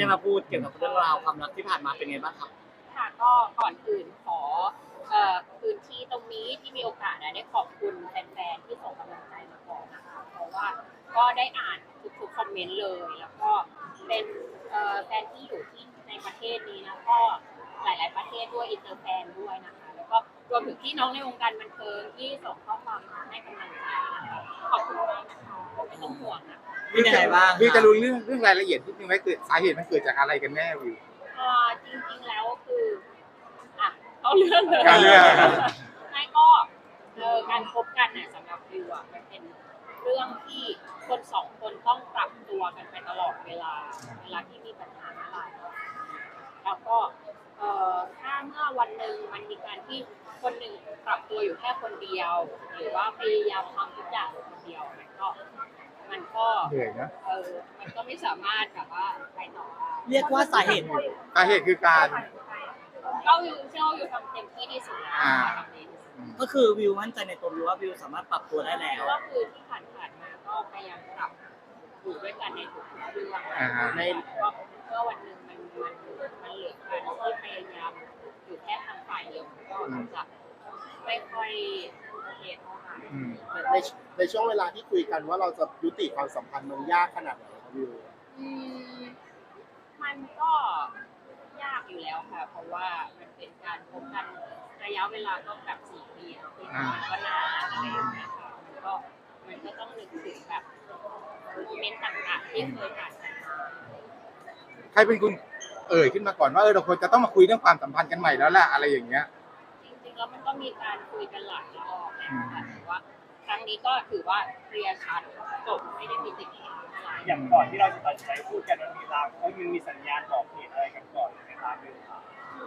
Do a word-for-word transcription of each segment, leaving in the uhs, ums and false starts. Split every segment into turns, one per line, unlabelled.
มาพูดเกี่ยวกับเรื่องราวความรักที่ผ่านมาเป็นไงบ้างครับ
ค่ะก็ก่อนอื่นขอเอ่อพื้นที่ตรงนี้ที่มีโอกาสได้ขอบคุณแฟนๆที่ส่งกำลังใจมาก่อนนะคะเพราะว่าก็ได้อ่านทุกๆคอมเมนต์เลยแล้วก็เป็นเอ่อแฟนที่อยู่ที่ในประเทศนี้นะก็หลายๆประเทศด้วยอินเตอร์แฟนด้วยนะคะแล้วก็รวมถึงพี่น้องในวงการบันเทิงที่ส่งข้อความมาให้กำลังใจนะคะขอบคุณมากนะคะไม่ต้องห่วงนะคะ
เป็นยังไงบ้าง
วิวจะรู้เรื่องเรื่องรายละเอียดที่นึงไหมเกิดสาเหตุมันเกิดจากอะไรกันแน่วิว
เอ่อจริงๆแล้วคืออ่ะเขาเรื่องเลย
การเรื่อง
ไม่ก็เออการคบกันเนี่ยสำหรับวิวอ่ะมันเป็นเรื่องที่คนสองคนต้องปรับตัวกันไปตลอดเวลาเวลาที่มีปัญหาอะไรแล้วก็เอ่อถ้าเมื่อวันหนึ่งมันมีการที่คนหนึ่งปรับตัวอยู่แค่คนเดียวหรือว่าพยายามทำทุกอย่างคนเดียวมันก็มันก็
เหนื่อยนะ
เออมันก็ไม่สามารถแบบว่าไปต่อได้
เรียกว่าสาเหตุ
สาเหตุคือการ
ก็อยู่เชื่ออยู่ทำเต็มที่ที่สุดแล้วทำดีที่สุด
ก็คือวิวมั่นใจในตัววิวว่าวิวสามารถปรับตัวได้แล้ว
ก็คือที่ผ่านๆมาก็พยายามปรับอยู่ด้วยกันในทุกเรื่องในก็เมื่อวันหนึ่งมันมันมันเหลือการที่พยายามอยู่แค่ทางฝ่ายเดียวก็จะไม่ค่อยโอเคเท่าไหร่
ในในช่วงเวลาที่คุยกันว่าเราจะยุติความสัมพันธ์มันยากขนาดไหนครับวิว
อืมมันก็ยากอยู่แล้วค่ะเพราะว่ามันเป็นการพบกันระยะเวลาก็แบบสี่ปีแล้วที่มันก็นานอะไรอย่างเงี้ยค่ะมันก็มันก็ต้องนึกถึงแบบโมเมนต์ต่างๆที่เคยผ่านกันมา
ใครเป็นคุณเอ่ยขึ้นมาก่อนว่าเออเราควรจะต้องมาคุยเรื่องความสัมพันธ์กันใหม่แล้วแหละอะไรอย่างเงี้ย
จริงๆแล้วมันก็มีการคุยกันหลายรอบนะคะแต่ว่าครั้งนี้ก็ถือว่าเคลียร์ชัดจบไม่ได้มีติดขัดอะไร
อย่างก่อนที่เราจะตัดใจพูดกันมันมีรางเขามันมีสัญญาณบอกเหตุอะไรกันก่อนไหมครับวิวครับ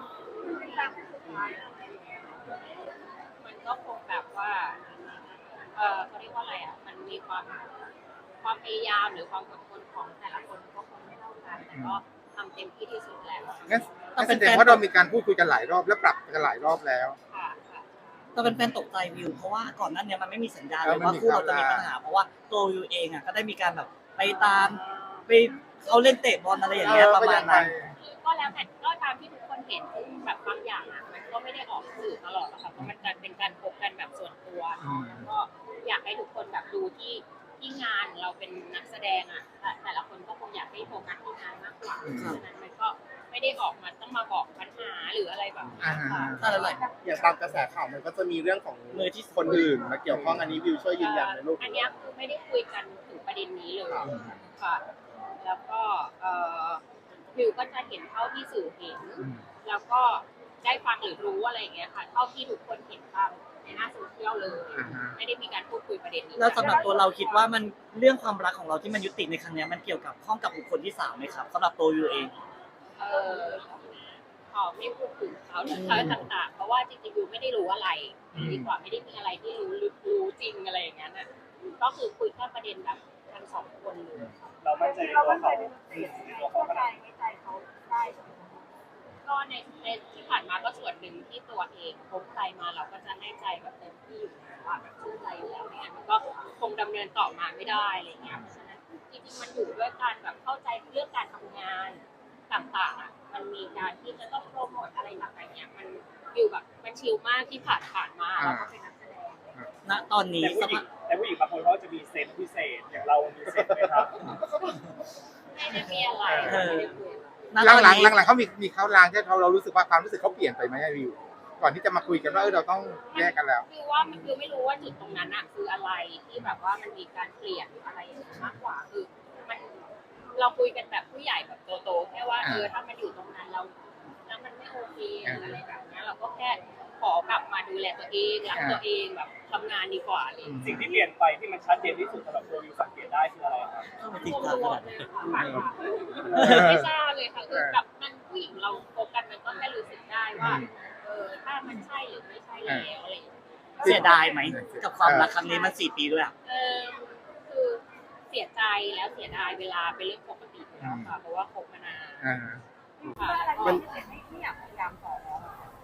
มันก็คงแบบว่าเออเขาเรียกว่าอะไรอ่ะมันมีความความพยายามหรือความอดทนของแต่ละคนก็คงไม่เท่ากันแต่ก็ทำเต็มที่ที่สุดแล้ว
งั้นแสดงว่าเรามีการพูดคุยกันหลายรอบและปรับกันหลายรอบแล้ว
ค่ะค่ะ
แต่เป็นแฟนตกใจวิวเพราะว่าก่อนหน้านี้มันไม่มีสัญญาณเลยว่าคู่เราจะมีปัญหาเพราะว่าตัววิวเองอ่ะก็ได้มีการแบบไปตามไปเขาเล่นเตะบอลอะไรอย่างเงี้ยประมาณนั้น
ก็แล้วแต่ก็ตามที่ทุกคนเห็นซึ่งแบบบางอย่างอ่ะมันก็ไม่ได้ออกสื่อตลอดหรอกค่ะเพราะมันจะเป็นการพบกันแบบส่วนตัวแล้วก็อยากให้ทุกคนแบบดูที่ที่งานเราเป็นนักแสดงอ่ะแต่ละคนก็คงอยากให้โฟกัสที่งานมากกว่าเพราะฉะนั้นมันก็ไม่ได้ออกมาต้องมาบอกปัญหาหรืออะไรแบบนี้ค่ะ
อะไร
อย่างตามกระแสข่าวมันก็จะมีเรื่องของมือที่คนอื่นมาเกี่ยวข้องอันนี้วิวช่วยยืนยันในลูก
อันนี้คือไม่ได้คุยกันถึงประเด็นนี้เลยค่ะแล้วก็เอ่อวิวก็จะเห็นเท่าที่สื่อเห็นแล้วก็ได้ฟังหรือรู้อะไรอย่างเงี้ยค่ะเท่าที่ทุกคนเห็นตามในหน้าโซเชียลเลยไม่ได้มีการพูดคุยประเด็นนี้
แล้วสำหรับตัวเราคิดว่ามันเรื่องความรักของเราที่มันยุติในครั้งนี้มันเกี่ยวกับข้องกับบุคคลที่สามไหมครับสำหรับตัววิวเอง
เออขอไม่พูดถึงเขาหรืออะไรต่างๆเพราะว่าจริงๆวิวไม่ได้รู้อะไรดีกว่าไม่ได้มีอะไรที่รู้รู้จริงอะไรอย่างเงี้ยน่ะก็คือคุยแค่ประเด็นแบบทั้งสองคนเลย
เราไม่ใจตัวเขาตัวเขาขนาด
ไม่ใจเขาได้ก็ในในที่ผ่านมาก็ส่วนหนึ่งที่ตัวเองพบใจมาเราก็จะให้ใจแบบเต็มที่อยู่แล้วแบบชื่นใจอยู่แล้วเนี่ยมันก็คงดำเนินต่อมาไม่ได้อะไรเงี้ยเพราะฉะนั้นจริงๆมันอยู่ด้วยการแบบเข้าใจเรื่องการทำงานต่างๆอ่ะมันมีการที่จะต้องโปรโมทอะไรต่างๆเนี่ยมันอยู่แบบมันชิลมากที่ผ่านผ่านมาเราก็เป็นนักแสดง
ณตอนนี้
แต่ผู้หญิงแต่ผู้หญิงบางคนเขาจะมีเซนส์พิเศษอย่างเรามีเซนส์ไหมครับ
ไม่ได้มีอะไร
หลังหลังหลังหลังเขามีมีเขาลางที่เขาเรารู้สึกว่าความรู้สึกเขาเปลี่ยนไปไหมวิวก่อนที่จะมาคุยกันว่าเออเราต้องแยกกันแล้ว
คือว่ามันคือไม่รู้ว่าจุดตรงนั้นอะคืออะไรที่แบบว่ามันมีการเปลี่ยนอะไรอย่างนี้มากกว่าคือมันเราคุยกันแบบผู้ใหญ่แบบโตๆแค่ว่าเออถ้ามันอยู่ตรงนั้นเราแล้วมันไม่โอเคอะไรแบบนี้เราก็แค่ขอกลับมาดูแลตัวเองรักตัวเองแบบทำงานดีกว่าเลย
สิ่งที่เปลี่ยนไปที่มันชัดเจนที่สุดสำหรับตัววิวสังเกตได้คืออะไรครับ
รวมๆเลยค่ะไม่ทราบเลยค่ะคือแบบมันผู้หญิงเราโฟกัสมันก็แค่รู้สึกได้ว่าเออถ้ามันใช่หรือไม่ใช่แล้วอะไร
เสียดายไหมกับความรักครั้งนี้มันสี่ปีด้วยอ่ะ
เออคือเสียใจแล้วเสียดายเวลาเป็นเรื่องปกติแล้วค่ะเพราะว่าคบมานานมันไม่อยากพยายามต่อแล้ว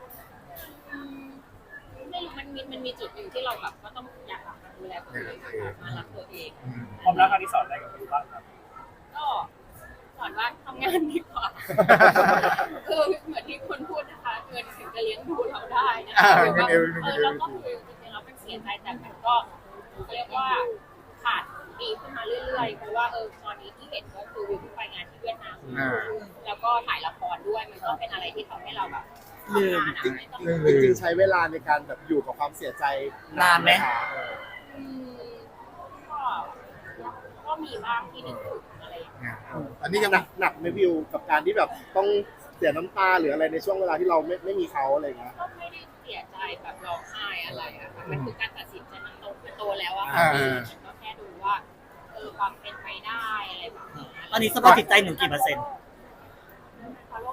ไม่รู้มันมีมันมีจุดหนึ่งที่เราแบบก็ต้องอยากมาดูแลตัวเองมารักตัวเอง
ความรักครั้งที่สอนอะไรกับคุณบ้างครับ
ก็สอนว่าทำงานดีกว่าคือเหมือนที่คุณพูดนะคะเงินถึงจะเลี้ยงดูเราได้นะ
อ่า
คะ
เงินเอว
เอ
เงิน
อ
เอว
เราก็คือจริงๆเราเป็นเสียใจแต่มันก็เขาเรียกว่าขาดดีขึ้นมาเรื่อยๆเพราะว่าเออตอนนี้ที่เห็นก็คือวิวเพิ่งไปงานที่เวียดนาม
อ่า
แล้วก็ถ่ายละครด้วยมันก็เป็นอะไรที่ทำให้เราแบบ
ลืม
ทำงานอะไม่ต้อง
ลืม
จริงๆใช้เวลาในการแบบอยู่กับความเสียใจ
นานไหม
คะ
อืมก็ก็มีบ้างที่นึกถึงอะไรอย่างเงี้ย
อันนี้ยัง
หนักหนักไหมวิวกับการที่แบบต้องเสียน้ำตาหรืออะไรในช่วงเวลาที่เราไม่ไม่มีเขาอะไรอย่างเงี้ย
ก็ไม่ได้เสียใจแบบร้องไห้อะไรอะค่ะมันคือการตัดสินใจมันโตมันโตแล้วอะค่ะ
อ่า
มันก็แค่ดูว่าเออความเป็นไปได้อะไรแบบนี้
ตอนนี้สภาพจิตใจหนูกี่เปอร์เซ็นต์
ฟอลโล่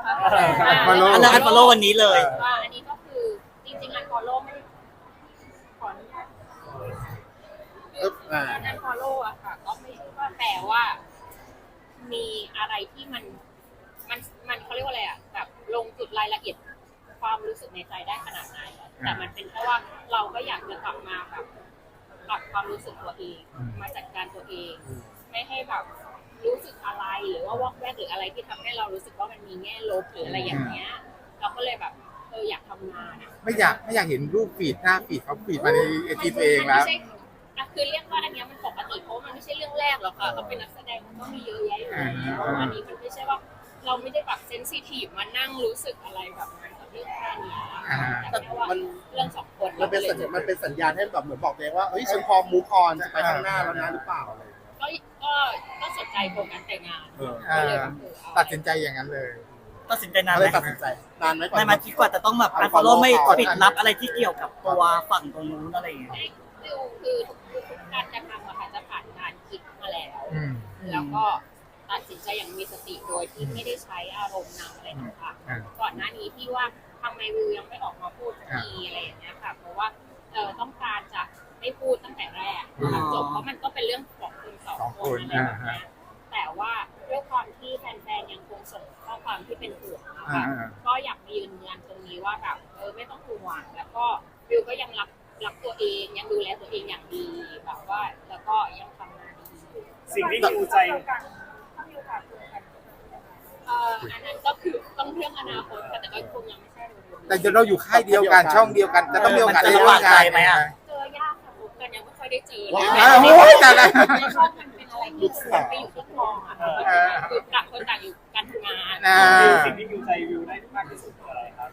follow
อันนั้นอันฟอลโล่วันนี้เลย
ว่าอันนี้ก็คือจริงๆอันฟอลโล่ไม่ได้ขออนุญาต
เอออ่า
อันฟอลโล่อะค่ะก็ไม่ใช่ว่าแปลว่า มีอะไรที่มันมันมันเขาเรียกว่าอะไรอะแบบลงจุดรายละเอียดความรู้สึกในใจได้ขนาดไหนแต่มันเป็นเพราะว่าเราก็อยากจะกลับมาแบบปรับความรู้สึกตัวเอง มาจัดการตัวเอง ไม่ให้แบบรู้สึกอะไรหรือว่าวอกแวกหรืออะไรที่ทำให้เรารู้สึกว่ามันมีแง่ลบหรืออะไรอย่างเงี้ย เราก็เลยแบบเอออยากทำงานอะ
ไม่อยากไม่อยากเห็นรูปฟีดหน้าฟีดเขาฟีดมาในไอจีตัวเองแล้ว
มันไม่ใช่อ่ะคือเรียกว่าอันเนี้ยมันปกติเพราะว่ามันไม่ใช่เรื่องแรกหรอกค่ะเขาเป็นนักแสดงมันก็มีเยอะแยะอยู่แล้วอันนี้มันไม่ใช่ว่าเราไม่ได้แบบเซนซิทีฟมานั่งรู้สึกอะไรแบบนั้นกับเรื่องแค่เนี้ยแต่แค่ว่า
มัน
เรื่องสองคน
มันเป็นสัญญาณมันเป็นสัญญาณให้แบบเหมือนบอกตัวเองว่าเฮ้ยฉันพร้อมมูฟออนจะไปข้างหน้าแล้วนะหรือเปล่าอะไรอย่างเงี้ย
ก็ก็ก็สนใจโครงการแต่งงาน
เออ
ก็เลยแบบเออเอา
ตัดสินใจอย่างนั้นเลย
ตัดสินใจนาน
ก็
ไห
เล
ม
ยตัดสินใจนานไหมก่อน
นานมาคิดกว่าจะต้องแบบอันฟอลโล่ไม่ปิดลับอะไรที่เกี่ยวกับตัวฝั่งตรงนู้นอะไรอย่างเงี้ย
คือคือทุกการกระทำอะค่ะจะผ่านการคิดมาแล้ว
อืม
แล้วก็ตัดสินใจอย่างมีสติโดยที่ไม่ได้ใช้อารมณ์นำอะไรต่าง
อ่า
ๆก่อนหน้านี้ที่ว่าทำไมวิวยังไม่ออกมาพูดสักทีอะไรอย่างเงี้ยค่ะเพราะว่าเออต้องการจะไม่พูดตั้งแต่แรก
อ๋อ
จบเพราะมันก็เป็นเรื่องของคนสอง
สอง
ค
คน
นอะไรแบบเนี้ย
อ่า
แต่ว่าด้วยความที่แฟนๆยังคงส่งข้อความที่เป็นห่วงนะ
อ่า
คะ ก็อยากมายืนยันตรงนี้ว่าแบบเออไม่ต้องห่วงแล้วก็วิวก็ยังรักรักตัวเองยังดูแลตัวเองอย่างดีแบบว่าแล้วก็ยังทำงานดีอยู่
สิ่งที่ฮิวใจ
เอ่ออันนั้นก็คือต้องเรื่องอนาคตค่ะแต่ก็คงยังไม่ใช่เร็วๆ
แต่จะเราอยู่ค่ายเดียวกันช่องเดียวกันจะต้องมีโอกาส
มัน
ได้
จะ
ร่วมงาน
ลำบากใจไหมอะ
เจอยากค่ะพบกันยังไม่ค่อยได้เจอเล
ว้า
ย
อ้าวโอ้ยแต่ละ
ในช่องมันเป็นอะไรที่มันไปอยู่ที่กองอะคือต่างคนต่างอยู่การทำงาน
อ่า
สิ่งที่ฮิวใจวิวได้มากที่สุดคืออะไรครับ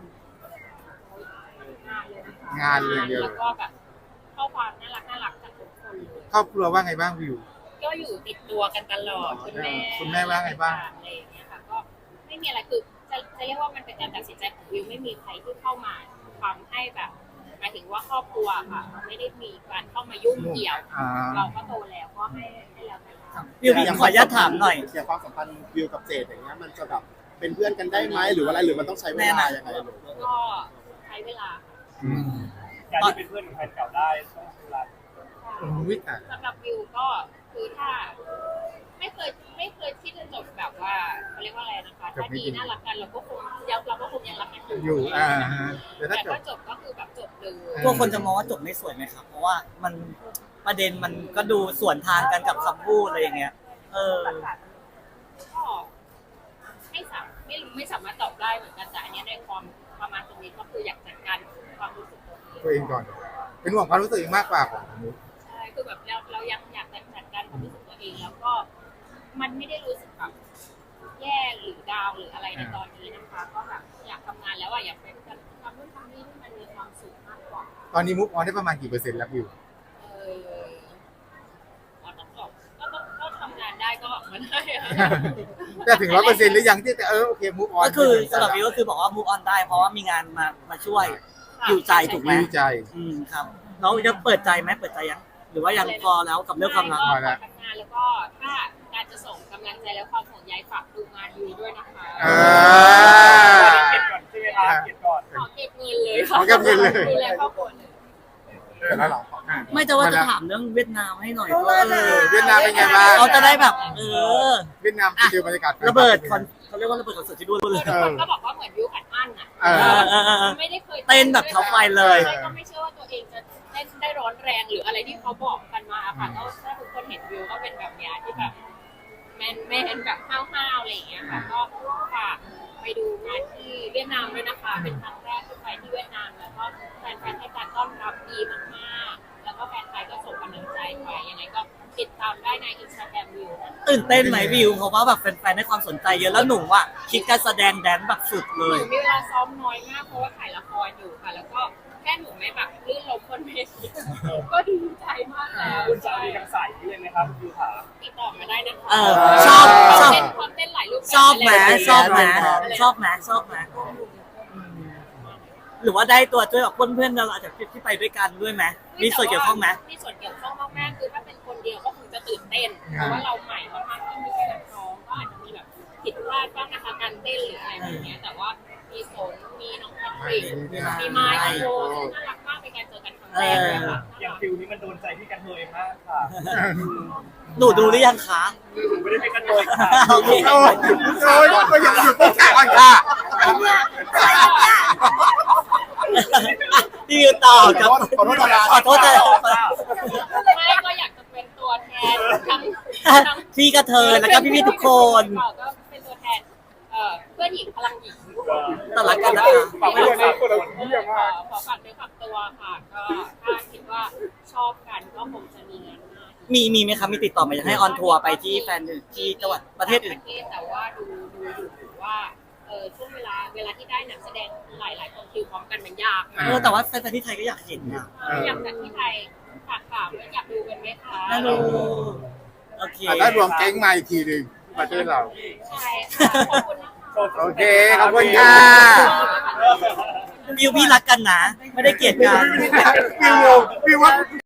งานเลยนะคะ
งานอย่างเดียว
แล้วก็แบบข้อความน่ารักน่ารักจากทุกคนเลย
ครอบครัวว่าไงบ้างวิว
ก็อยู่ติดตัวกันตลอดคุณแม่
คุณแม่ว่าไงบ้าง
อะไรอย่างเงี้ยค่ะก็ไม่มีอะไรคือจะจะเรียกว่ามันเป็นการตัดสินใจของวิวไม่มีใครที่เข้ามาทำให้แบบหมายถึงว่าครอบครัวค่ะไม่ได้มีการเข้ามายุ่งเกี่ยว
อ่า
เราก็โตแล้วก็ให้ให้แล้วแต่เรา
วิววิวขออนุญาตถามหน่อย
อย่างความสัมพันธ์วิวกับเจดอย่างเงี้ยมันจะแบบเป็นเพื่อนกันได้ไหมหรือว่าอะไรหรือมันต้องใช้เวลายังไงหรือ
ก็ใช้เวลา
อืม
การที่เป็นเพื่อนกับแฟนเก่าได้ต้องใช้เวลา
อุ้ยแต่
สำหรับวิวก็คือถ้า ไม่เคยไม่เคยที่จะจบแบบว่าเขาเรียกว่าอะไรนะคะถ้าดีน่ารักกันเราก็คงยังเราก็คงยังรักกันอยู่
อยู่อ่าฮะแต่ถ้า
แต่
จบ
ก็จบก็คือแบบจบเลย
อ่า
กลัวคนจะมองว่าจบไม่สวยไหมครับ เพราะว่ามันประเด็นมันก็ดูสวนทางกันกับคำพูดอะไรอย่างเงี้ย เออ
ก็ไม่สามไม่ไม่สามารถตอบได้เหมือนกันแต่อันเนี้ยในความประมาณตรงนี้ก็คืออยากจัดการความรู้สึกตัวเอง
ตัวเองก่อน เป็นห่วงความรู้สึกเองมากกว่าของนุ๊ก
ใช่คือแบบเราเรายังอยากจัดการความรู้สึกตัวเองแล้วก็มันไม่ได้รู้สึกแบบแย่หรือดาวหรืออะไรในตอนนี้นะคะ ก็แบบอยากทำงานแล้วอะอยากเป็นการทำนู่นทำนี่ที่มันมีความสุขมากกว่า
ตอนนี้มุกออนได้ประมาณกี่เปอร์เซ็นต์แล้ววิว
เออก็ต้องบอกก็ต้องก็ทำงานได้ก็ออกมาได้อะ
แต่ถึงร้อยเปอร์เซ็นต์หรือยังที่แต่เออโอเคมุกออน
ก็คือสำหรับวิวก็คือบอกว่า move on ได้เพราะว่ามีงานมามาช่วยอยู่ใจถูกไหม
วิวใจ
อืมครับแล้วจะเปิดใจไหมเปิดใจยัง หรือว่ายังพอแล้วกับเรื่องความรัก
ก็ขอทำงานแล้วก็ถ้าการจะส่งกำลังใจและความห่วงใยฝากดูงานอยู่ด้วยนะคะ
อ่า
เก็บก่อนใช่ไหมครับเก็บก่อน
ขอเก็บเงินเลยค่ะ
ขอเก็บเงินเลย
ดูแลครอบครัวเลย
แล้วเหรอ
ไม่จะว่าจะถามเรื่องเวียดนามให้หน่อยเพราะว่าเออ
เวียดนามเป็นไงบ้าง
เขาจะได้แบบ เออ
เวียดนามเป็นเดียวบรรยากาศ
ระเบิดคอนเขาเรียกว่าระเบิดคอนเสิร์ตที่นู่นเลย
ทุกคนก็บอกว่าเหมือนวิวขัดอั้นอ่ะ
เอ
เอ
อ
อเออเออ
ไม่ได้เคย
เต้นแบบเท้าไฟเลย
ใช่ก็ไม่เชื่อว่าตัวเองจะเต้นได้ร้อนแรงหรืออะไรที่เขาบอกกันมาค่ะก็ถ้าทุกคนเห็นวิวก็เป็นแบบเนี้ยที่แบบแมนแมนแบบห้าวๆอะไรอย่างเงี้ยค่ะก็ฝากไปดูงานที่เวียดนามด้วยนะคะเป็นครั้งแรกที่ไปที่เวียดนามแล้วก็แฟนๆให้การต้อนรับดีมากๆแล้วก็แฟนไทยก็ส่งกำลังใจไปยังไงก็ติดตามได้ในอินสตาแกรมวิวนะคะ
ตื่นเต้นไหมวิวเพราะว่าแบบแฟนๆให้ความสนใจเยอะแล้วหนูอ่ะคิดการแสดงแดนซ์แบบสุดเล
ห
ย
นูมีเวลาซ้อมน้อยมากเพราะว่าถ่ายละครอยู่ค่ะ แล้วก็แค่หนูไม่แบบลื่นล้มบนเวทีก็ดีใจมากแล้ว
คุณจะมีทางสายนี้เลยไหมครับวิวขา
ติดต่อมาได้นะคะ
เออชอบชอบ
เต้นความเต้นหลายรูปแบบ
ชอบไหมชอบไหม
อะไร
ชอบไหมชอบไหมอืมหรือว่าได้ตัวช่วยกับเพื่อนๆเราอาจจะที่ไปด้วยกันด้วยไหมมีส่วนเกี่ยวข้องไหม
มีส่วนเกี่ยวข้องมากๆคือถ้าเป็นคนเดียวก็คงจะตื่นเต้นเพราะว่าเราใหม่มากๆที่มีแค่นักร้องก็อาจจะมีแบบผิดพลาดบ้างนะคะการเต้นหรืออะไรแบบเนี้ยแต่ว่ามีสนมีน้องแพทริกมีไมค์โชว์ซึ่งน่ารักมากเป็นการเจอกันครั้งแรกเลยค่ะ
อย่างฟิวนี้มันโดนใจพี่กันเทยมากค่ะ
หนูดูหรือยังคะ
หนูไม่ได้เป็นกันเทยค่ะ
โอเค
โอ้ยโอ้ยก็ยังอยู่ตรงกลางก่อนค่ะ
พี่วิวต่อกับ
ขอโทษขอโทษดารา
ขอโทษนะ
ไม่ก็อยากจะเป็นตัวแทนทั้งทั้ง
พี่กระเทยแล้วก็พี่ๆทุกคน
ก็เป็นตัวแทนเอ่อเพื่อนหญิงพลังหญิง
ต้อนรับกันนะคะ
ฝากไว้ด้วยนะคนละ
เออขอขอฝากด้วยฝากตัวค่ะ ก็ถ้าคิดว่าชอบกันก็คงจะมีงานหน้า
มีมีไหมคะมีติดต่อมาอยากให้ออนทัวร์ไปที่แฟนอื่นที่จังหวัดประเทศอื่น
ประเทศแต่ว่าดูดูอยู่ว่าเออช่วงเวลาเวลาที่ได้นักแสดงหลายหลายๆคนคิวพร้อมกันมันยากมา
เอก อแต่ว่าแฟนๆที่ไทยก็อยากเห็นนะ
อยากจัดที่ไทยฝากฝากด้วยอยากดูกันไหมคะ
น่าดูโอเค
อ่ะถ้ารวมแก๊งมาอีกทีหนึ่งประเทศเรา
ใช่ค่ะขอบคุณนะคะ
โอเคขอบคุณค่ะ
วิวพี่รักกันนะ ไม่ได้เกลียดกัน
วิววิวว่า